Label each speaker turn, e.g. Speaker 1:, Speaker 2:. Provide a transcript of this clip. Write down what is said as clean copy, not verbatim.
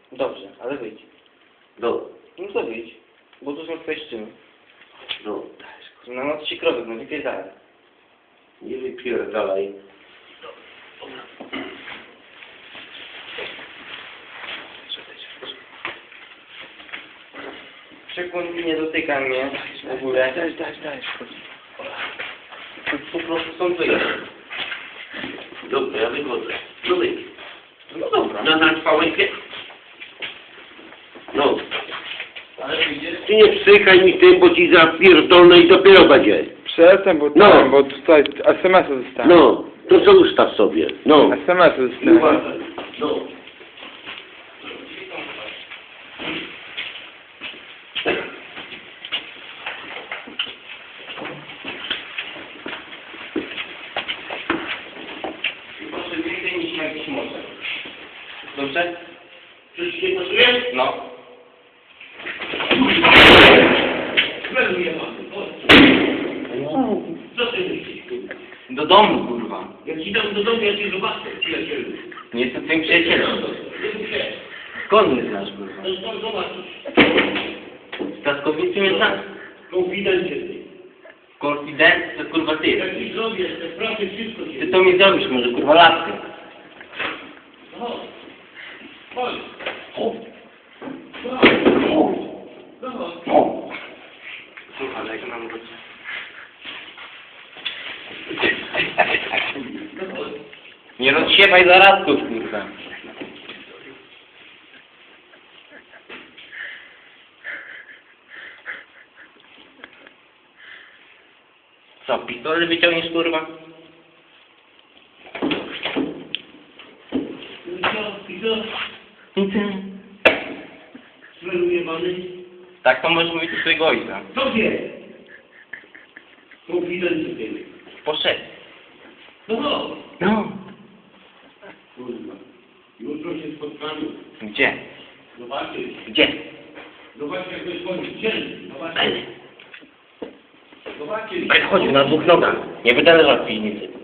Speaker 1: Dobrze, ale wyjdź.
Speaker 2: No.
Speaker 1: No to wyjdź. Bo tu są twoje szczyny.
Speaker 2: No.
Speaker 1: Na noc ci krowy, no wypierdalaj.
Speaker 2: Nie wypierdalaj.
Speaker 1: Przekłon nie dotyka mnie w ogóle.
Speaker 3: Daj.
Speaker 1: Po prostu są wyjść.
Speaker 2: Dobra, ja wychodzę. No wyjdź.
Speaker 1: No dobra.
Speaker 2: Na trwałeś. No.
Speaker 1: Ale wyjdziesz?
Speaker 2: Ty nie psychaj mi tym, bo ci zapierdolę i dopiero będzie.
Speaker 3: Przestań, bo
Speaker 2: No.
Speaker 3: tam, bo tutaj SMS-y dostałem.
Speaker 2: No. To co ustaw sobie. No.
Speaker 3: SMS-y
Speaker 2: I uważaj.
Speaker 3: dostałem.
Speaker 2: No.
Speaker 1: Proszę więcej niż na jakiś może. Dobrze?
Speaker 2: Czy ci nie pasuje?
Speaker 1: No.
Speaker 2: Co ty myślisz?
Speaker 1: Do domu, kurwa.
Speaker 2: Jak ci dam do domu, ja cię zobaczę, przyjacielu.
Speaker 1: Nie jestem twoim przyjacielem. Skąd mnie znasz, kurwa?
Speaker 2: No skąd zobaczysz?
Speaker 1: Z Kaskowicy mnie znasz?
Speaker 2: Konfidencie ty.
Speaker 1: Konfident to kurwa ty.
Speaker 2: Jak ci zrobię, te pracy wszystko
Speaker 1: Ty
Speaker 2: cię.
Speaker 1: to mi zrobisz może, kurwa, laskę.
Speaker 2: No. Chodź.
Speaker 1: Słuchaj, jak mam być. Nie rozsiewaj zaradków, kurwa. Co, pistolet wyciągniesz, kurwa? Tak to możesz mówić do swojego ojca.
Speaker 2: Co wie? Konfidencie ty.
Speaker 1: Poszedł.
Speaker 2: No.
Speaker 1: No.
Speaker 2: Kurwa. Jutro się spotkamy.
Speaker 1: Gdzie?
Speaker 2: Zobaczysz.
Speaker 1: Gdzie?
Speaker 2: Zobaczysz, jak to jest koniec dzielny. Zobaczysz. Zobaczysz.
Speaker 1: Chodź na dwóch nogach. Nie będę leżał w piwnicy.